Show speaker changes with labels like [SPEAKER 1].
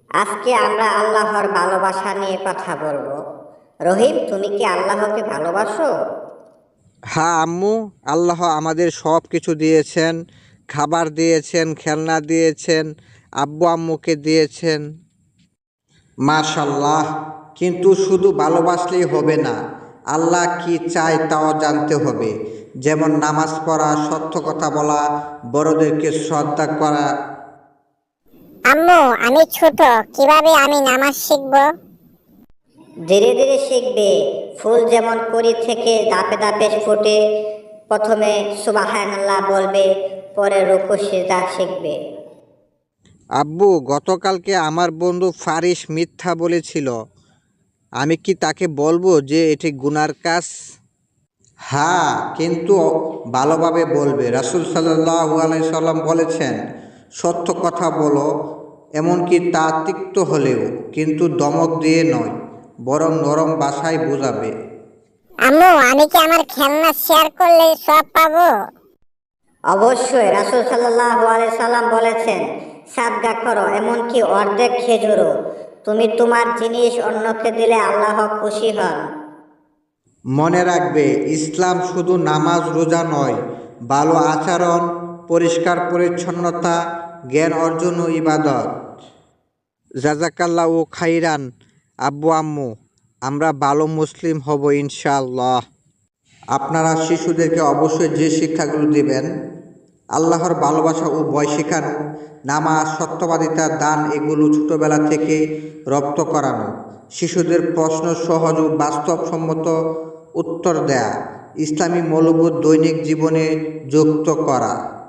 [SPEAKER 1] আজকে আমরা আল্লাহর ভালোবাসা নিয়ে কথা বলবো। রহিম, তুমি কি আল্লাহকে ভালোবাসো?
[SPEAKER 2] হ্যাঁ আম্মু, আল্লাহ আমাদের সব কিছু দিয়েছেন, খাবার দিয়েছেন, খেলনা দিয়েছেন, আব্বু আম্মুকে দিয়েছেন। মাশাল্লাহ। কিন্তু শুধু ভালোবাসলেই হবে না, আল্লাহ কি চায় তাও জানতে হবে। যেমন নামাজ পড়া, সত্য কথা বলা, বড়দেরকে শ্রদ্ধা করা।
[SPEAKER 3] আম্মু, আমি ছোট, কিভাবে আমি নামাজ শিখবো?
[SPEAKER 1] ধীরে ধীরে শিখবে। ফুল যেমন কড়ি থেকে ধাপে ধাপে ফোটে। প্রথমে সুবহানাল্লাহ বলবে, পরে রুকু সিজদা শিখবে।
[SPEAKER 2] আব্বু, গতকালকে আমার বন্ধু ফারিস মিথ্যা বলেছিল, আমি কি তাকে বলবো যে এটি গুনার কাজ? হ্যাঁ, কিন্তু ভালোভাবে বলবে। রাসূল সাল্লাল্লাহু আলাইহি সাল্লাম বলেছেন, সত্য কথা বলো, এমনকি তা তিক্ত হলেও, কিন্তু ধমক দিয়ে নয়, বরং নরম ভাষায় বোঝাবে।
[SPEAKER 3] আম্মু, আমি কি আমার খেলনা শেয়ার করলে সব পাবো?
[SPEAKER 1] অবশ্যই, রাসূল সাল্লাল্লাহু আলাইহি সাল্লাম বলেছেন, সাদকা করো, এমনকি অর্ধেক খেজুরও। তুমি তোমার জিনিস অন্যকে দিলে আল্লাহ খুশি হন।
[SPEAKER 2] মনে রাখবে, ইসলাম শুধু নামাজ রোজা নয়, ভালো আচরণ, পরিষ্কার পরিচ্ছন্নতা, জ্ঞান অর্জন ও ইবাদত। জাজাকাল্লাহ ও খাইরান। আব্বু আম্মু, আমরা ভালো মুসলিম হব ইনশাআল্লাহ। আপনারা শিশুদেরকে অবশ্যই যে শিক্ষাগুলো দিবেন, আল্লাহর ভালোবাসা ও ভয় শেখানো, নামাজ, সত্যবাদিতা, দান, এগুলো ছোটবেলা থেকে রপ্ত করানো। শিশুদের প্রশ্ন সহজ ও বাস্তবসম্মত উত্তর দেয়া, ইসলামী মূল্যবোধ দৈনিক জীবনে যুক্ত করা।